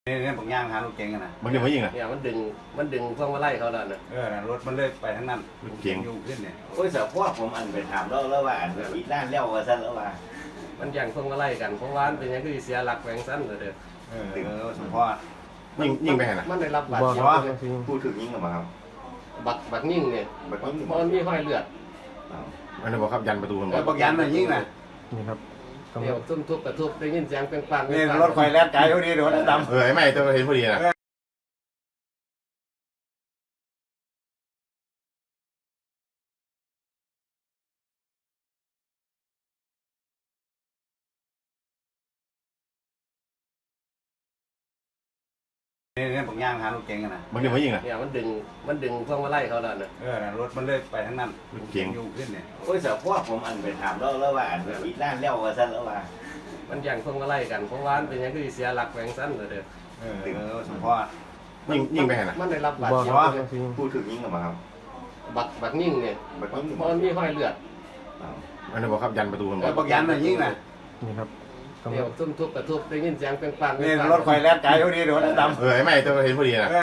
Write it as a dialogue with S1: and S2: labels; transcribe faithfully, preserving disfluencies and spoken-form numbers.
S1: เนี่ยบางอย่างหารถเก๋งกันนะ
S2: มันจะมายิงอ่ะ
S3: เนี่ยมันดึงมันดึงพวงมาลัยเขาแล้วนะ
S1: เออรถมันเลยไปทั้งนั้น
S2: รถเก๋ง
S1: อยู่ขึ้นเนี่ย
S4: โอ้ยเสือพวกผมอันไปถามแล้วแล้วว่าอันอีด้านเลี้ยวว่าสั้นแล้วว่า
S3: มันแย่งพวงมาลัยกันเพราะว่ามันเป็นอย่างที่เสียหลักแหวงสั้นเลยเด้อ
S1: เออเออสมพร
S2: ยิงยิงไปไหนนะ
S3: มันได้รับบาด
S5: บอก
S3: เจ็บ
S5: ว่า
S4: พูดถึงยิ่งกับมาครับ
S3: บักบักยิ่งเนี่ย
S4: บักยิ่ง
S3: เพราะมันมีห้อยเลือด
S2: อันนี้บอกครับยันประตูมันบ
S1: เอ
S2: อ
S1: อก บางยันน่ะยิ่งน่ะ
S5: นี่ครับกำ
S3: เดี๋
S5: ลั
S3: ยว
S5: ง
S3: ซุ่มทุบกระทุบได้ยินเสียงเป็นปัง
S1: นี่รถไฟแล่นไกลเท่านี้รถดำ
S2: เออไอ้ไม่ตัวเห็นพอดีนะ
S1: เนี่ยบางอย่างหารถเก๋งกันนะ
S2: มันจะมายิงอ่ะ
S3: เนี่ยมันดึงมันดึงพวงมาลัยเขาแล้วนะ
S1: เออรถมันเลยไปทั้งนั้น
S2: รถเก๋ง
S1: อยู่ขึ้นเนี่ย
S4: โอ้ยเสือพวกผมอันไปถามแล้วแล้วว่าอันอีด้านเลี้ยวว่าสั้นแล้วว่า
S3: มันแย่งพวงมาลัยกันเพราะว่ามันเป็นอย่างที่เสียหลักแหวงสั้นเลยเด้อ
S1: เออเออสมพร
S2: ยิงยิงไปไหนนะ
S3: มันได้รับบาด
S5: บอก
S3: เจ็บ
S5: ว่า
S4: พูดถึงยิ่งกับมาครับ
S3: บักบักยิ่งเนี่ย
S4: บักยิ่ง
S3: เพราะมันมีห้อยเลือด
S2: อันนี้บอกครับยันประตูมันบ
S1: เอ
S2: อ
S1: อก บางยันน่ะยิ่งน่ะ
S5: นี่ครับกำ
S3: เดี๋
S5: ลั
S3: ยว
S5: ง
S3: ซุ่มทุบกระทุบได้ยินเสียงเป็นปัง
S1: นี่รถไฟแล่นไกลเท่านี้รถดำ
S2: เออไอ้ไม่ตัวเห็นพอดีนะ